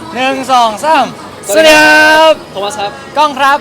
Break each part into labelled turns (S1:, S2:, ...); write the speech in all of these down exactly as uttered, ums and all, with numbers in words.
S1: หนึ่งสองสามสวัสดีครับ
S2: โทมัสครับ
S1: กล้องครับ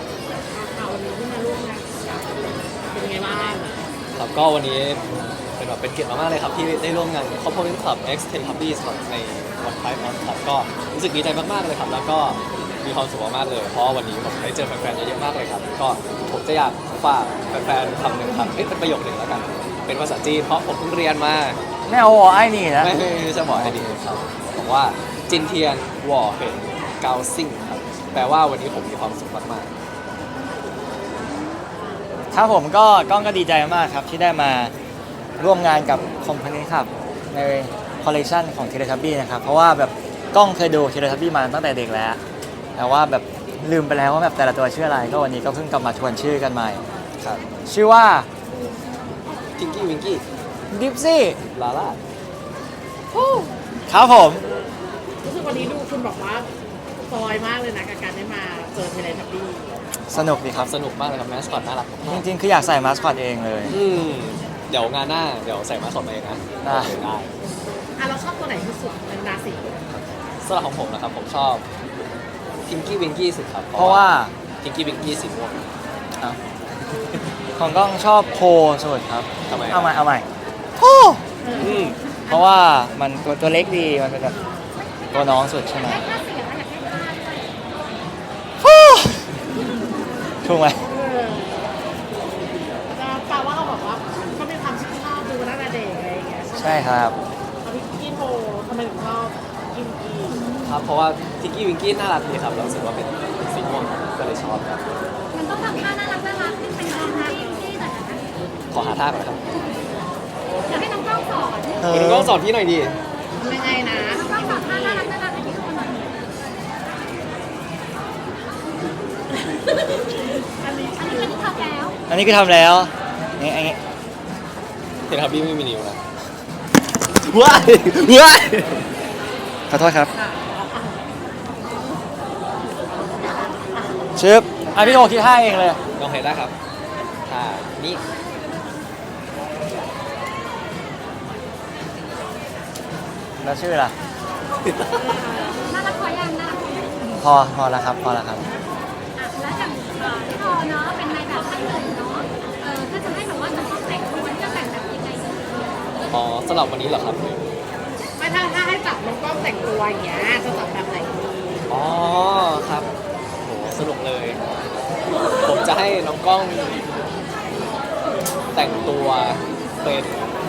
S3: เป็นไงบ้าง
S2: ครับก็วันนี้เป็นแบบเป็นเกียรติมากๆเลยครับที่ได้ร่วมงาน Component Club X Teletubbies ครับในวันไฟฟ์มอนครับก็รู้สึกดีใจมากๆเลยครับแล้วก็มีความสุขมากๆเลยเพราะวันนี้ผมได้เจอแฟนๆเยอะๆมากเลยครับก็ผมจะอยากฝากแฟนๆคำหนึ่งครับเอ๊ะเป็นประโยคหนึ่งแล้วกันเป็นภาษาจีนเพราะผมเพิ่งเรียนมา
S1: ไม่เอาวอไอ้นี่นะ
S2: ไม่ไม่จะบอกให้ดีครับบอกว่าจินเทียนวอเห็นเกาซิ่งครับแปลว่าวันนี้ผมมีความสุขมากๆ
S1: ครับผมก็กล้องก็ดีใจมากครับที่ได้มาร่วมงานกับคอมพานีครับในคอลเลคชันของเทเลทับบี้นะครับเพราะว่าแบบกล้องเคยดูเทเลทับบี้มาตั้งแต่เด็กแล้วแต่ว่าแบบลืมไปแล้วว่าแบบแต่ละตัวชื่ออะไรก็วันนี้ก็เพิ่งกลับมาทวนชื่อกันใหม่
S2: ครับ
S1: ชื่อว่า
S2: ทิงกี้วิงกี้
S1: ดิฟซี่
S2: ลาล่า
S1: ครับผม
S3: รู้สึกวันนี้ดูคุณบอกว่าซอยมากเลยนะกับการได้มาเจอเทเลทับบี้
S1: สนุกดีครับ
S2: สนุกมากเลยครับแมสคอตน่ารัก
S1: จริงๆคืออยากใส่มาสคอตเองเลย
S2: อืมเดี๋ยวงานหน้าเดี๋ยวใส่มาสคอตมาเองนะ
S1: ได้
S2: ได้
S3: อ่ะเราชอบตัวไหนที่สุดในราศี
S2: สำหรับของผมนะครับผมชอบทิงกี้วิงกี้สุดครับ
S1: เพราะว่า
S2: ทิงกี้วิงกี้สีม่วง
S1: ของกล้องชอบโพสุดครับ
S2: ทำไม
S1: เอาใหม่เอาใหม่โพเพราะว่ามันตัวตัวเล็กดีมันเป็นแบบตัวน้องสุดใช่ไหมถูกไหม
S3: แปลว่าเราบอกว่าเขามีความชอบดูตั้งแต่เด็กอะไรอย่างเงี้ย
S1: ใช่ครับ
S3: เอาพี่กี้โททำไมถึงชอบกินกี้
S2: ครับเพราะว่าทิงกี้วิงกี้น่ารักดีครับเรารู้สึกว่าเป็นสีม่วงก็เลยชอบครับ
S4: มันต้องทำท่าน่ารักน่ารักขึ้นเป็นท่าที่ที่หน่อยนะคะ
S2: ขอหาท่าก่อนครับ
S4: อยากให้น้องกล้องสอน
S2: คุณกล้องสอนพี่หน่อยดิ
S3: ยังไงนะ
S4: น้องกล้องสอนท่าน่ารักน่ารักให้พี่ดูหน่อยอันนี้อันนี้คือทำแล้ว
S1: อันนี้คือทำแล้วนี่อันนี้
S2: เห็นครับพี่ไม่มีนิ้วนะ
S1: ว้ายว้ายขอโทษครับชึบอ่ะพี่โอคิดท่าเองเลย
S2: ลองเห็นได้ครับท่านี้
S1: แล้วชื่อล่ะ
S4: น่ารักพอยังน่ารัก
S1: พอพอแล้วครับพอแล้วครับ
S4: อ่ะแล้วอย่างพี่พอเนาะเป็นนายแบบท่านหนึ่งเนาะเออถ้าจะให้แบบว่าจะต้องแต่งตัวจะแต่งแบบยังไง
S2: อ๋อสำหรับวันนี้เหรอครับ
S3: ไม่ถ้าถ้าให้จับน้องกล้องแต่งตัวอย่างเงี้ยจะจับแบบไหนดี
S2: อ๋อครับโหสนุกเลยผมจะให้น้องกล้องแต่งตัวเป็น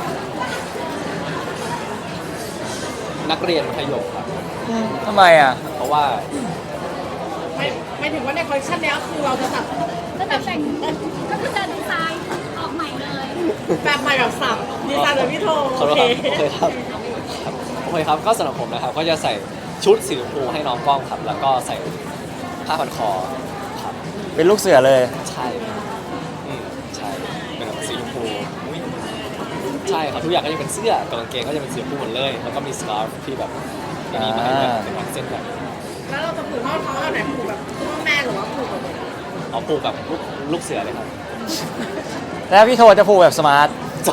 S2: นักเรียนมัธยมครับ
S1: ทำไมอ่ะ
S2: เพราะว่า
S3: ไม่ไม่ถึงว่าในคอลเลคชันนี้คือเราจะจับ
S4: จะแต่งก็คือจะดีไซน์ออกใหม่เลย
S3: แบบใหม่แบบสับดีไซน์แบบพี่โท
S2: โอเคโอเคครับโอเคครับก็สำหรับผมนะครับก็จะใส่ชุดสีชมพูให้น้องกล้องครับแล้วก็ใส่ผ้าพันคอครับ
S1: เป็นลูกเสือเลย
S2: ใช่อืมใช่เป็นแบบสีชมพูใช่ครับทุกอย่างก็จะเป็นเสื้อกับกางเกงก็จะเป็นสีชมพูหมดเลยแล้วก็มีสกาฟที่แบบมีมาให้แบบเป็นเส้นแบบ
S3: แล้วเราจะผูกข้อเท้าแบบไหนผูกแบบพ่อแม่หรือว่าผูกแบบ
S2: เอาผูกแบบลูกลูกเสือเลยครับ
S1: แล้วพี่โทจะผูกแบบสมาร์ท
S4: อ่ะ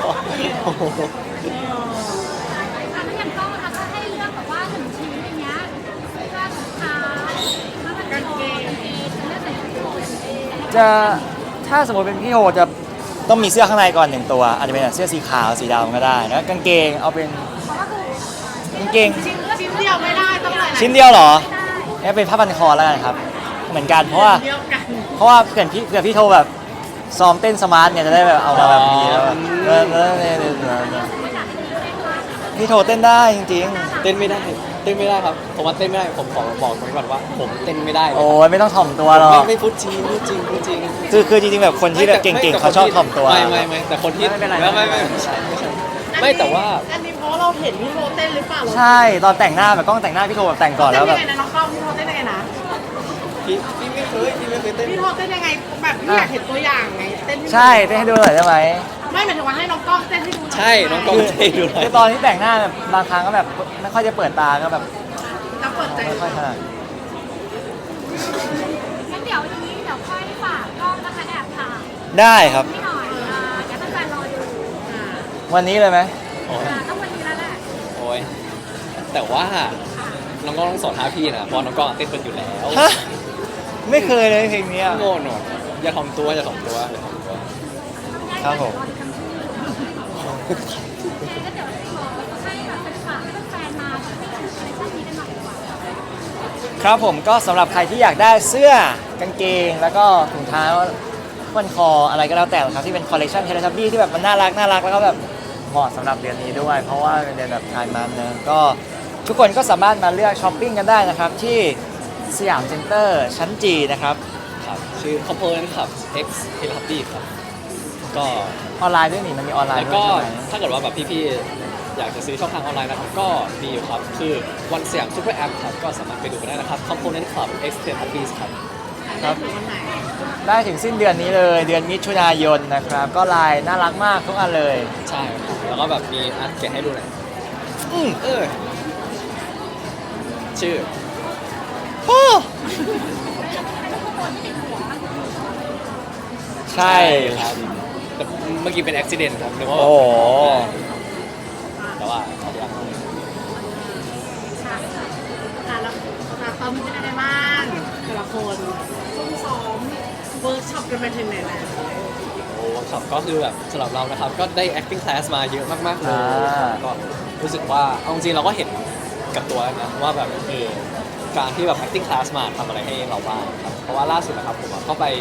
S4: แล้วอย่างกล้องนะคะถ้าให้เลือกแบบว่าหนึ่งชิ้นอย่างเงี้ยเสื้อถุงเท้าแล้วมันกางเกงจะเลือกใส่ชุดโทน
S1: จะถ้าสมมติเป็นพี่โทจะต้องมีเสื้อข้างในก่อนหนึ่งตัวอาจจะเป็นเสื้อสีขาวสีดำก็ได้แล้วกางเกงเอาเป็นกางเกง
S3: ชิ้นชิ้นเดียวไม่ได้ต้องหลาย
S1: ชิ้นเดียวเหรอนี่เป็นผ้าพันคอแล้วกันครับเหมือนกันเพราะว่าเพราะว่าเผื่อพี่เผื่อพี่โทแบบซ้อมเต้นสมาร์ทเนี่ยจะได้แบบเอามาแบบนี้แล้วพี่โทเต้นได้จริง
S2: ๆเต้นไม่ได้เต้นไม่ได้ครับผมว่าเต้นไม่ได้ผมขอบอกไว้ก่อนว่าผมเต้นไม่ได้
S1: โอ้ยไม่ต้องถ่อมตัวหรอก
S2: ไม่พูดจริงพูดจริงพูดจริง
S1: คือคือจริงๆแบบคนที่แบบเก่งๆเขาชอบถ่อมตัว
S2: ไม่ไม่ไม่แต่คนที่ไม่ไม่ไม่ไม่ใช่ไม่ใช่ไม่แต่ว่า
S3: อันนี้เพราะเราเห็นพี่โทเต้นหรือเปล่า
S1: ใช่ตอนแต่งหน้าแบบกล้องแต่งหน้าพี่โทแบบแต่งก่อนแล้วแบบ
S3: เต้นยังไงนะน้องกล้องพี่โทเต้นยังไงนะ
S2: พี่พี่ไม่เคยพี่ไม่เคยเต้น
S3: พี่โทเต้นยังไงแบบพี่อยากเห็นตัวอย่างไงเต้น
S1: ใช่เต้นให้ดูหน่อยได้ไหม
S3: ไม่หมายถึงว่าให้น้องกล้องเต้นให้ดู
S2: ใช่น้องกล้องเต้นให้ดูหน่อย
S1: คือตอนที่แต่งหน้าแบบบางครั้งก็แบบไม่ค่อยจะเปิดตาก็แบบ
S3: ต้องเปิดใจ
S1: ไม่ค่อยถนัด
S4: งั้นเดี๋ยวทีนี้เดี๋ยวค่อยฝากกล้องนะคะแอบถ่าย
S1: ได้ครับ
S4: ไม่หน่อยเดี๋ยวต้องการรอดู
S1: วันนี้เลยไหม
S4: ต้องวันนี้แล้วแหละ
S2: โอ้ยแต่ว่าน้องกล้องต้องสอนท่าพี่นะเพราะน้องกล้องเต้นเป็นอยู่แล้ว
S1: ฮะไม่เคยเลยเพลงเนี้ย
S2: โง่หนวดอย่าถ่อมตัวอย่าถ่อมตัวอย่าถ่อมตัว
S1: ครับผม
S4: โอเคก็เดี๋ยวขอให้แบบเป็นฝากให้แฟนๆมาแบบให้ถึงคอลเลคชั่นนี้กันหน่อยดีกว่า
S1: ครับผมก็สำหรับใครที่อยากได้เสื้อกางเกง แล้วก็ถุงเท้าพันคออะไรก็แล้วแต่นะครับที่เป็นคอลเลคชันเทเลทับบี้ที่แบบมันน่ารักน่ารักแล้วก็แบบเหมาะสำหรับเดือนนี้ด้วย เพราะว่าเป็นเดือนแบบไทม์มันนะก็ทุกคนก็สามารถมาเลือกช้อปปิ้งกันได้นะครับที่สยามเซ็นเตอร์ชั้นจีนะครับ
S2: ครับชื่อ Component ครับ X t e l e h u b b y ครับก็
S1: ออนไลน์ด้วยนี่มันมีออนไลน์
S2: แล้ว
S1: ด้วย
S2: ก็
S1: ใช่ไหม
S2: ถ้าเกิดว่าแบบพี่ๆอยากจะซื้อช่องทางออนไลน์นะครับก็มีอยู่ครับคือวันสยามซูเปอร์แอปครับก็สามารถไปดูกันได้นะครับ Component Club X t e l e h u b b y ครับ
S1: ครับ
S3: ถึงวันไหน
S1: ได้ถึงสิ้นเดือนนี้เลย เดือนมิถุนายนนะครับ ก็ลายน่ารักมากทุกอันเลย
S2: ใช่ครับแล้วก็แบบมีอันแกะให้ดูหน่อย
S1: อืม
S2: เออชื่อ
S1: โอ้ใช่
S2: ครับแต่เมื่อกี้เป็นอุบิเหตุครับนึกว่า
S1: โอ้โห
S2: แต่ว่าเอาอย่าง
S3: ค่ะอ่ะแล้วแล้วตอนนี้เป็นยังไงบ้างแต่ละคนซุ่มซ้อมเวิร์กช็อปกันไปถึงไหนแล้ว
S2: โอ้เวิร์กช็อปก็คือแบบสำหรับเรานะครับก็ได้ acting class มาเยอะมากๆเลย
S1: อ่า
S2: ก็รู้สึกว่าเอาจริงๆเราก็เห็นกับตัวแล้วนะว่าแบบเออการที่แบบ acting class มาทำอะไรให้เราบ้างครับเพราะว่าล่าสุดนะครับผมอะก็ไป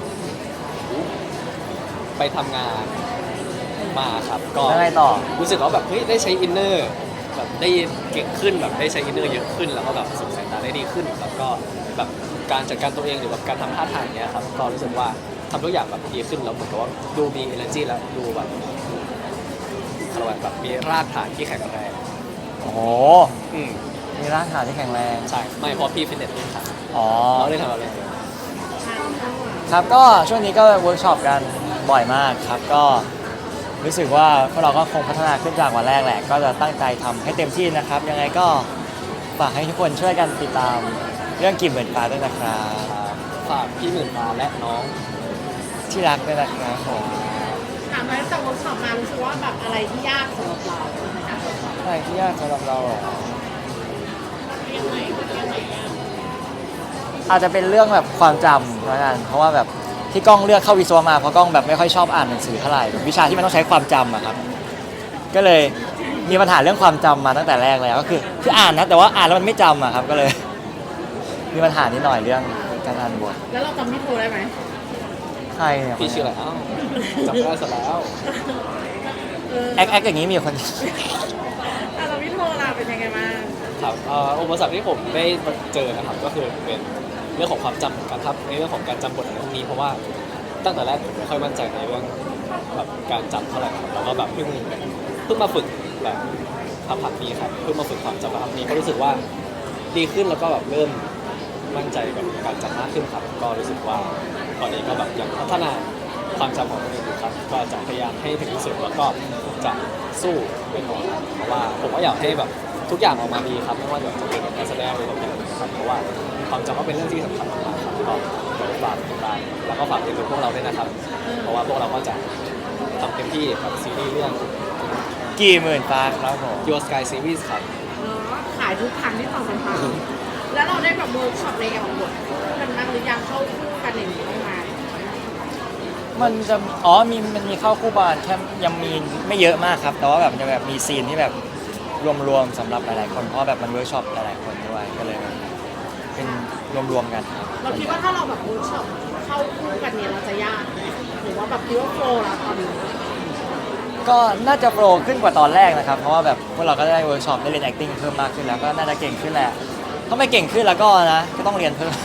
S2: ไปทำงานมาครับก็
S1: แล้วไงต่อ
S2: รู้สึกว่าแบบเฮ้ยได้ใช้อินเนอร์แบบได้เก่งขึ้นแบบได้ใช้อินเนอร์เยอะขึ้นแล้วก็แบบส่งสายตาได้ดีขึ้นแล้วก็แบบการจัดการตัวเองหรือแบบการทำท่าทางเนี้ยครับก็รู้สึกว่าทำทุกอย่างแบบดีขึ้นแล้วเหมือนกับว่าดูมี energy แล้วดูแบบอะไรวะแบบมีรากฐานที่แข็งแรง
S1: โอ้โห
S2: อืม
S1: มีร่างกายที่แข็งแรง
S2: ใช่ไม่เพราะพี่ฟิตเนสนี่ครับ
S1: อ๋อ
S2: เราได้ทำอะไร
S1: ครับก็ช่วงนี้ก็เวิร์กช็อปกันบ่อยมากครับก็รู้สึกว่าพวกเราก็คงพัฒนาขึ้นจากวันแรกแหละ ก็จะตั้งใจทำให้เต็มที่นะครับ ยังไงก็ฝากให้ทุกคนช่วยกันติดตามเรื่องกิ่มเหมือนฟ้าด้วยนะครับ
S2: ครับฝากพี่หมื่นฟ้าและน้อง
S1: ที่รักด้วยนะครับผม
S3: ถามมาตั้งแต่เวิร์กช็อปมารู้สึกว่าแบบอะไรที่ยากสำหรับเราในการเวิร์กช็อป
S1: อะไรที่ยากสำหรับเราเหรอ
S3: ยังไงยังไงยาก
S1: อาจจะเป็นเรื่องแบบความจำแล้วกันเพราะว่าแบบที่กล้องเลือกเข้าวิศวะมาเพราะกล้องแบบไม่ค่อยชอบอ่านหนังสือเท่าไหร่แบบวิชาที่มันต้องใช้ความจำอะครับ ก็เลยมีปัญหาเรื่องความจำมาตั้งแต่แรกแล้วก็คือคืออ่านนะแต่ว่าอ่านแล้วมันไม่จำอะครับก็เลย มีปัญหานิดหน่อยเรื่องการอ่านบท
S3: แล้วเราจำพี่โทรได้ไหม
S1: ใครเนี่ย
S2: พี่ชื่ออะไรอ้าวจำได้ซะแล้ว
S3: เออ
S1: แอคแอคอย่างนี้มีคน
S3: อ่ะเราพี่โทรเราเป็นยังไงบ้าง
S2: ครับเอ่ออุปสรรคที่ผมได้เจอนะครับก็คือเป็นเรื่องของความจำเหมือนกันครับในเรื่องของการจำบทอะไรพวกนี้เพราะว่าตั้งแต่แรกผมไม่ค่อยมั่นใจในเรื่องแบบการจำเท่าไหร่ครับแล้วก็แบบเพิ่งเพิ่งมาฝึกแบบพักๆนี้ครับเพิ่งมาฝึกความจำพักๆนี้ก็รู้สึกว่าดีขึ้นแล้วก็แบบเริ่มมั่นใจกับการจำมากขึ้นครับก็รู้สึกว่าตอนนี้ก็แบบยังพัฒนาความจำของตัวเองอยู่ครับก็จะพยายามให้ถึงที่สุดแล้วก็จะสู้ไปก่อนเพราะว่าผมก็อยากให้แบบทุกอย่างออกมาดีครับไม่ว่าจะเป็นการแสดงหรือแบบอย่างอื่นครับเพราะว่าความจำก็เป็นเรื่องที่สำคัญมากๆครับก็เดี๋ยวฝากติดตามแล้วก็ฝากติดตามพวกเราด้วยนะครับ เพราะว่าพวกเราก็จะทำเต็มที่กับซีรีส์เรื่อง
S1: กี่หมื่นฟ้าครับผม
S2: Your Sky Series ครับ
S3: เนาะขายทุกครั้งที่ต่อสัมพันธ์แล้วเราได้แบบเวิร์กช็อปในการบทคู่กันบ้างหรือยังเข้าคู่กันอย่างนี้บ้างไหม
S1: มันจะอ๋อมีมันมีเข้าคู่บานแค่ยังมีไม่เยอะมากครับ แต่ว่าแบบมันจะแบบมีซีนที่แบบรวมๆสำหรับหลายๆคนเพราะว่าแบบมันเวิร์กช็อปหลายๆคนด้วยก็เลยแบบเป็นรวมๆกันครับ
S3: เราคิดว่าถ้าเราแบบเวิร์กช็อปเข้าคู่กันเนี่ยเราจะยากไหมหรือว่าแบบคิดว่าโฟล์แล้วตอนนี้
S1: ก็น่าจะโปรขึ้นกว่าตอนแรกนะครับ เพราะว่าแบบพวกเราก็ได้เวิร์กช็อปได้เรียน acting เพิ่มมากขึ้นแล้วก็น่าจะเก่งขึ้นแหละถ้าไม่เก่งขึ้นแล้วก็นะก็ต้องเรียนเพิ่ม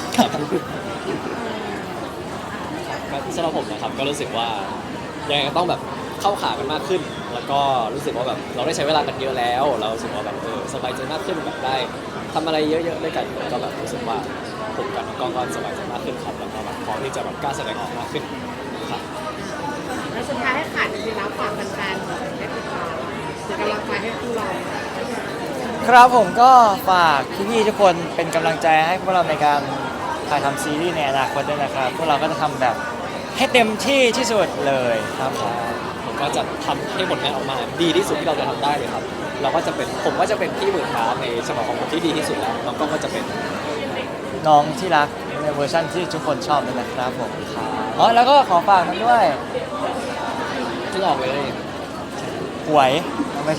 S2: สำหรับผมนะครับก็รู้สึกว่ายังไงก็ต้องแบบเข้าขากันมากขึ้น แล้วก็รู้สึกว่าแบบเราได้ใช้เวลากันเยอะแล้ว เรารู้สึกว่าแบบเออสบายใจมากขึ้นแบบได้ทำอะไรเยอะๆด้วยกันก็แบบรู้สึกว่าผมกับน้องกล้องก็สบายใจมากขึ้นครับแล้วก็แบบพร้อมที่จะแบบกล้าแสดงออกมากขึ้นครับ
S3: แล้วสุดท้ายให้ขาดจริงๆแล้วฝากแฟนๆหน่อยให้ติดตามเป็นกำลังใจให้คู่เรา
S1: ครับผมก็ฝากพี่ๆทุกคนเป็นกำลังใจให้พวกเราในการถ่ายทำซีรีส์ในอนาคตด้วยนะครับพวกเราก็จะทำแบบให้เต็มที่ที่สุดเลยครับผม
S2: ผมก็จะทำให้ผลงานออกมาดีที่สุดที่เราจะทำได้เลยครับเราก็จะเป็นผมก็จะเป็นพี่หมื่นฟ้าในฉบับของผมที่ดีที่สุดแล้วน้องกล้องก็จะเป็น
S1: น้องที่รักในเวอร์ชันที่ทุกคนชอบนั่นแหละครับผมอ๋อแล้วก็ขอฝากนั้นด้วย
S2: ที่ออกเลย
S1: หวยไม่ใช่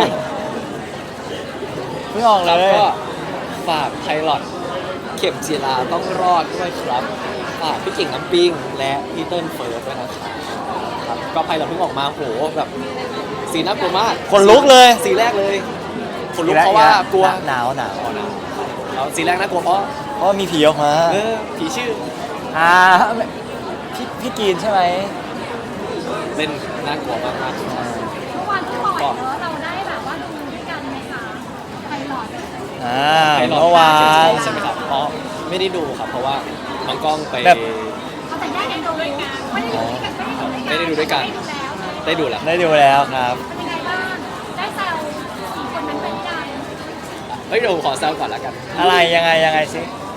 S1: เพิ่งออก
S2: แล้ว
S1: เลย
S2: ก็ฝากไพลอตเข็มจีราต้องรอดด้วยครับฝากพี่เก่งน้ำปิงและพี่เติ้ลเฟิร์สด้วยนะครับครับก็ไพลอตเพิ่งออกมาโหแบบสีน่ากลัวมาก
S1: คนลุกเลย
S2: สีแรกเลยคนลุกเพราะว่ากลัว
S1: หนาวหนาว
S2: อ๋อนะแล้วสีแรกน่ากลัวเพราะ
S1: เพราะว่ามีผีออกมา
S2: เออผีชื่อ
S1: อ่าพี่พี่กีนใช่ไหม
S2: เล่นน่ากลัวมากมาก
S4: เมื่อวานที่ปล่อยเนอะเราได้แบบว่าดูด้วยกันไหมคะไพลอต
S1: อ่า
S2: ไพลอต
S1: เมื่อวาน
S2: ใช่ไหมครับเพราะไม่ได้ดูครับ เพราะว่าน้องกล้องไป
S1: แบบ
S4: เขาแต่แยกกันดูไม่ได้ดูด้วยกันไม่ได้ดูด้วยกัน
S2: ได้ดูแล้ว
S1: ได้ดูแล้วครับ
S4: เป็นยังไงบ้างได้แซวสี่คนนั้นไปหรือยัง
S2: เฮ้ยเดี๋ยวผมขอแซวก่อนแล้วกัน
S1: อะไรยังไงยังไงสิ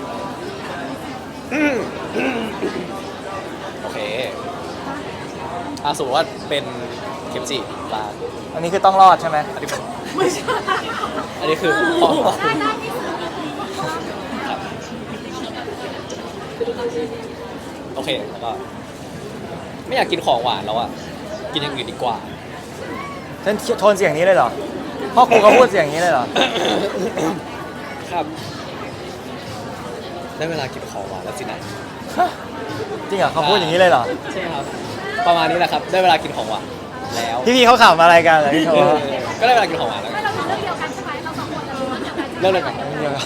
S2: โอเคอาสมมติว่าเป็นเข็มจีปลา
S1: อันนี้คือต้องรอดใช่ไหม
S2: อันนี้เป็น
S3: ไม่ใช่
S2: อันนี้คือของ
S4: ได้ได้ที่สุด
S2: ครับโอเคแล้วก็ไม่อยากกินของหวานแล้วอ่ะกินอย่างอื่นดีกว่า
S1: ฉันโทนเสียงนี้เลยเหรอพ่อครูเขาพูดเสียงนี้เลยเหรอ
S2: ครับ ได้เวลากินของหวานแล้วสินะ
S1: จริงเหรอเขาพูดอย่างนี้เลยเหรอ
S2: ใช่ครับ ประมาณนี้แหละครับ ได้เวลากินของหวานแล้ว
S1: พี่พี่ๆเขาขำอะไรกันเหรอพี่โท
S2: เออก็ได้เวลากินของหวานแล้ว
S4: ไม่เราดูเรื่องเดียวกันใช่ไหมเราสองคนเราดูเรื่องเดียวกันใช่ไหม
S2: เริ่มเลยกัน
S1: เดี๋ยวก่อน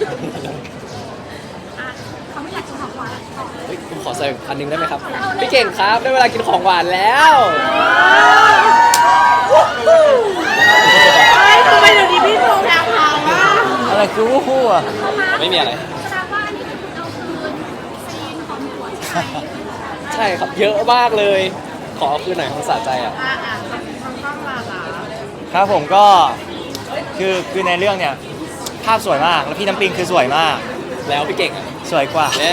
S4: อ่ะเขาไม่อยากกินของหวานต่อ
S2: เฮ้ยผมขอเสริมอันหนึงได้ไหมครับ พี่เก่งครับ ได้เวลากินของหวานแล้ว
S3: เฮ้ยทำไมเดี๋ยวนี้พี่โทรแพรวๆอ่ะ
S1: อะไรคือวู้ฮู้อ่ะ
S2: ไม่มีอะไร
S4: แสดงว่าอันนี้คือเอาคืนซีนของหัวใช่ไหม
S2: ใช่ครับ เยอะมากเลย ขอเอาคืนหน่อยของสะใจอ่ะ
S3: อ่ะอ่ะทางกล้องลาลา
S1: ครับผมก็คือคือในเรื่องเนี่ยภาพสวยมากแล้วพี่น้ำปิงคือสวยมาก
S2: แล้วพี่เก่งอ่ะ
S1: สวยกว่า
S2: และ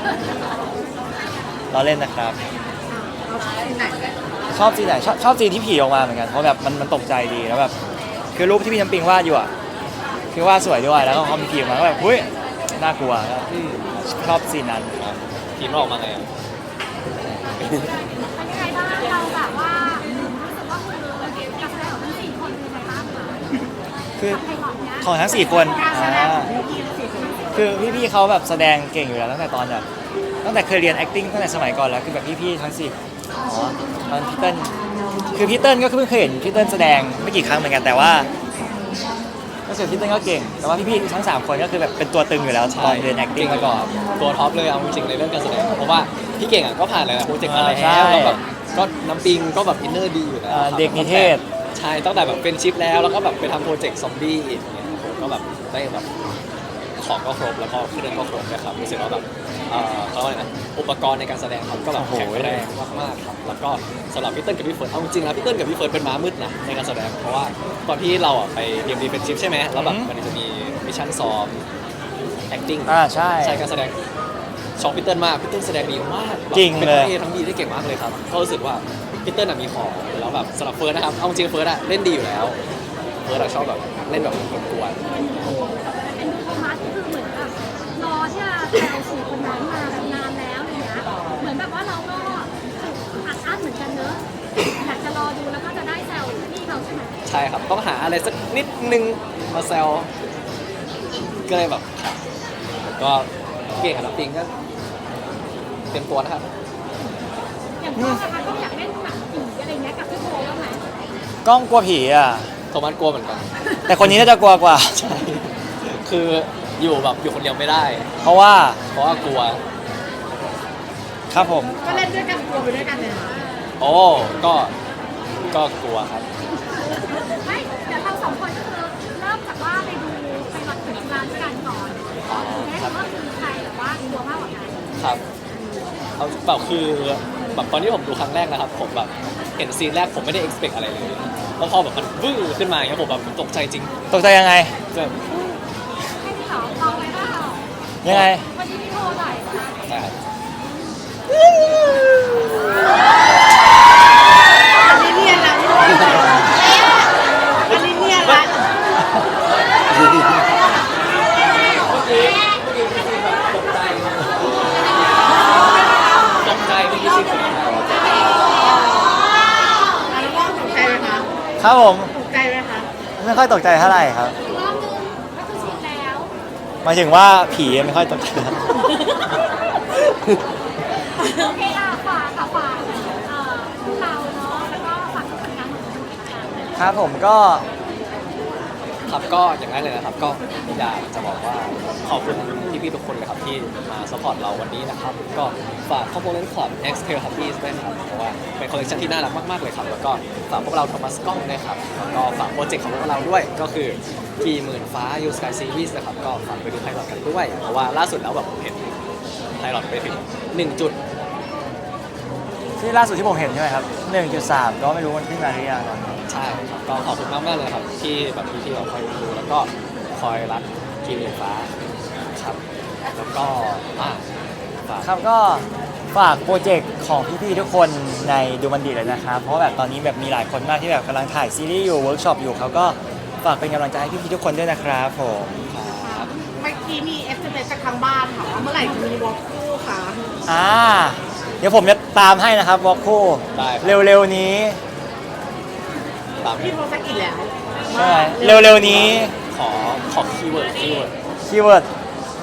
S1: เราเล่นนะครับ
S3: เราชอบที่ไหน
S1: ชอบซีนไหนชอบชอบซีนที่ผีออกมาเหมือนกันเพราะแบบมันมันตกใจดีแล้วแบบคือรูปที่พี่น้ำปิงวาดอยู่อ่ะคือวาดสวยด้วยแล้วก็พอมีผีออกมาก็แบบเฮ้ยน่ากลัวแล้ว
S2: อืม
S1: ชอบซีนนั้น
S2: ครับทีมเราออกมาไงอ่ะ
S4: เป็นยังไงบ้างเราแบบว่ารู้สึกว่าคือการแสดงของทั้งสี่คนเป็นยังไงบ้างคะ
S1: คือ
S4: ไพลอตเนี้ย
S1: ของทั้งสี่คนอ่าคือพี่ๆเขาแบบแสดงเก่งอยู่แล้วตั้งแต่ตอนแบบตั้งแต่เคยเรียน acting ตั้งแต่สมัยก่อนแล้วคือแบบพี่ๆทั้งสี่อ๋อตอนพี่เติ้ลคือพี่เติ้ลก็เพิ่งเคยเห็นพี่เติ้ลแสดงไม่กี่ครั้งเหมือนกันแต่ว่าก็คือพี่เติ้ลก็เก่ง แต่ว่าพี่ๆทั้งสามคนก็คือแบบเป็นตัวตึงอยู่แล้วตอนเรียน acting มาก่อน
S2: ตัวท็อปเลยเอาจริงๆในเรื่องการแสดงเพราะว่าพี่เก่งอ่ะก็ผ่านหลายๆโปรเจกต์มาแล้ว
S1: ใช่
S2: แล้วแบบก็น้ำปิงก็แบบอินเนอร์ดีอยู่แล้ว
S1: อ่า
S2: ครับ
S1: เด็กนิเทศ
S2: ใช่ตั้งแต่แบบเป็นชิปแล้วแล้วก็แบบไปทำโปรเจกต์ซอมบี้อีกเนี่ยผมก็แบบได้แบบของก็ครบแล้วก็เครื่องก็ครบนะครับรู้สึกว่าแบบเอ่อเขาเรียกว่าอะไรนะอุปกรณ์ในการแสดงเขาก็แบบ
S1: โอ้โห
S2: แข็งแรงมากๆครับแล้วก็สำหรับพี่เติ้ลกับพี่เฟิร์นเอาจริงๆนะพี่เติ้ลกับพี่เฟิร์นเป็นม้ามืดนะในการแสดงเพราะว่าตอนที่เราอ่ะไปเรียนดีเป็นชิปใช่ไหมแล้วแบบมันจะมีมิชชั่นซ้อม acting
S1: อ่าใช่
S2: ใช่การแสดงชอบพี่เติ้ลมากพี่เติ้ลแสดงดีมากแบบ
S1: จริง
S2: เป็น
S1: เลย
S2: ทั้งเอทั้งบีได้เก่งมากเลยครับก็รู้สึกว่าพี่เติ้ลน่ะมีของแล้วแบบสำหรับเฟิร์สนะครับเอาจริงเฟิร์สอะเล่นดีอยู่แล้วเฟิร์สอะชอบแบบเล่นแบบกวน
S4: เป็นโทมัสคือเหมือนแบบรอที่จะแซวสี่คนนั้นมาแบบนานแล้วอะไรเงี้ยเหมือนแบบว่าเราก็อัดอั้นเหมือนกันเนอะอยากจะรอดูแล้วก็จะได้แซวพี่เขาใช่ไหม
S2: ๆใช่ครับต้องหาอะไรสักนิดนึงมาแซวก็เลยแบบครับก็เก่งกับน้ำปิงก็เตรียมตัวนะครับ
S4: อย่างพ่อนะคะต้องอยากเล่นหนังผีอะไรเงี้ยกับพี่โบบ้างไหม
S1: กล้องกลัวผีอ่ะ
S2: โทมัสกลัวเหมือนกัน
S1: แต่คนนี้น่าจะกลัวกว่า
S2: ใช่คืออยู่แบบอยู่คนเดียวไม่ได้
S1: เพราะว่า
S2: เพราะว่ากลัว
S1: ครับผม
S3: ก็เล่นด้วยกันกลัวไปด้วยกันเนี่ยนะ
S2: โอ้ก็ก็กลัวครับ
S4: ไม่เดี๋ยวเราสองคนก็คือเริ่มจากว่าไปดูไปวัดถึงร้านด้วยกันก่อนแม้ว่าคือใครแบบว่ากลัวมากกว่ากัน
S2: ครับเอาแบบคือแบบตอนที่ผมดูครั้งแรกนะครับ ผมแบบเห็นซีนแรกผมไม่ได้ expect อะไรเลยแล้วพอแบบมันวื้อขึ้นมาอย่างเงี้ยผมแบบตกใจจริง
S1: ตกใจยังไง
S2: แบบ
S4: ให้พี่สาวลองไหมเปล่า
S1: ยังไง
S4: วันนี้พี่โทรหน่อย
S2: ใช่ครับ
S3: อันนี้เนียนนะอันนี้เนียนละ
S1: ครับผม
S3: ตกใจไหมคะ
S1: ไม่ค่อยตกใจเท่าไหร่ครับ
S4: อีกรอบนึงก็คือชินแล้ว
S1: หมายถึงว่าผีไม่ค่อยตกใจครับ
S4: โอเคอ่ะฝากค่ะฝากเอ่อพวกเราเนาะแล้วก็ฝากผลงานของคุณอีกครั้งหนึ่ง
S1: ครับผมก็
S2: ครับก็อย่างนั้นเลยนะครับก็อยากจะบอกว่าขอบคุณพี่ๆทุกคนเลยครับที่มาสปอร์ตเราวันนี้นะครับก็ฝาก Component Club X Therapies ด้วยครับเพราะว่าเป็นคอลเลคชันที่น่ารักมากๆเลยครับแล้วก็ฝากพวกเราโทมัสกล้องด้วยครับแล้วก็ฝากโปรเจกต์ของพวกเราด้วยก็คือกี่หมื่นฟ้า You Sky Series นะครับก็ฝากไปดูไพลอตกันด้วยเพราะว่าล่าสุดแล้วแบบผมเห็นไพลอตไปถึงหนึ่งจุด
S1: ที่ล่าสุดที่ผมเห็นใช่ไหมครับ หนึ่งจุดสาม ก็ไม่รู้มันขึ้นมาหรือยังตอนนี้
S2: ใช่ครับก็ขอบคุณมากมากๆเลยครับที่แบบพี่ที่เราคอยดูแล้วก็คอยรักกีฬาฟ้าครับแล้วก็อ่าฝาก
S1: ครับก็ฝากโปรเจกต์ของพี่ๆทุกคนในดูมันดีเลยนะครับ เพราะว่าแบบตอนนี้แบบมีหลายคนมากที่แบบกำลังถ่ายซีรีส์อยู่เวิร์กช็อปอยู่เขาก็ฝากเป็นกำลังใจให้พี่ๆทุกคนด้วยนะครับผม
S2: ครับ
S3: เมื่อกี้มีเอสเอ็มเอสจากทางบ้านค่ะว่าเมื่อไหร่จะมีวอล์กคู่คะ
S1: อ่าเดี๋ยวผมจะตามให้นะครับวอลคู่
S2: ได้ครับ
S1: เร็วๆนี้
S2: ตาม
S3: พี่โทรสักกี่แล้ว
S1: ใช่เร็วๆนี้
S2: ขอขอคีย์เวิร์ดคีย์เวิร์ด
S1: คีย์เวิร์ด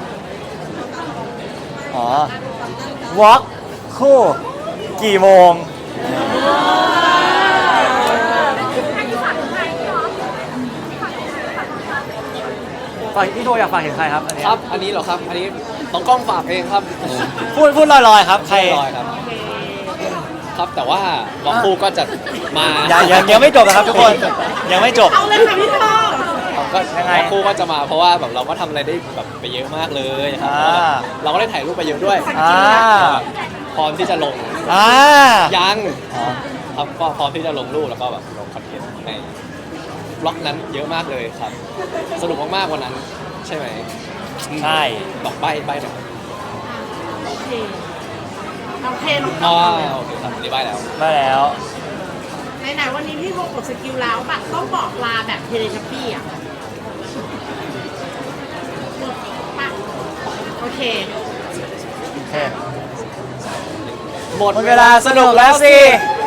S1: อ๋อวอลคู่กี่โมง
S4: อันนี้ฝากถึงใครพี่น้องฝากถึงใครฝากถึงใคร
S1: ฝากพี่โทอยากฝากถึงใครครับอันนี้
S2: ครับอันนี้เหรอครับอันนี้ต้องกล้องฝากเองครับ
S1: พูดพูดลอยๆครับใคร
S2: ลอยครับครับแต่ว่าบล็อกคู่ก็จะมา
S1: ยังยังยังไม่จบนะครับทุกคนยังไม่จบ
S3: เอาเลยค่ะพี่โทร
S2: ครับก็
S1: ยังไง
S2: บล็อกคู่ก็จะมาเพราะว่าแบบเราก็ทำอะไรได้แบบไปเยอะมากเลยครับ
S1: อ่า
S2: เราก็ได้ถ่ายรูปไปเยอะด้วย
S1: อ่า
S2: พร้อมที่จะลง
S1: อ่า
S2: ยัง
S1: อ๋อ
S2: ครับก็พร้อมที่จะลงรูปแล้วก็แบบลงคอนเทนต์ในบล็อกนั้นเยอะมากเลยครับ สนุกมากๆวันนั้นใช่ไหม
S1: ใช่
S2: บอกใบใบหน่อย
S3: โอเคโอเคน้อง
S2: อ๋
S3: ต่
S2: อ
S3: อ
S2: โอเคครับอันนี้ใบแล้ว
S1: มาแล้ว
S3: ไหนๆวันนี้พี่โทรกดสกิลแล้วแบบต้องบอกลาแบบเทเลทัพปี้อ่ะปะโอเค
S1: โอเค
S2: หมด
S1: หมดเวลาสนุกแล้วสิ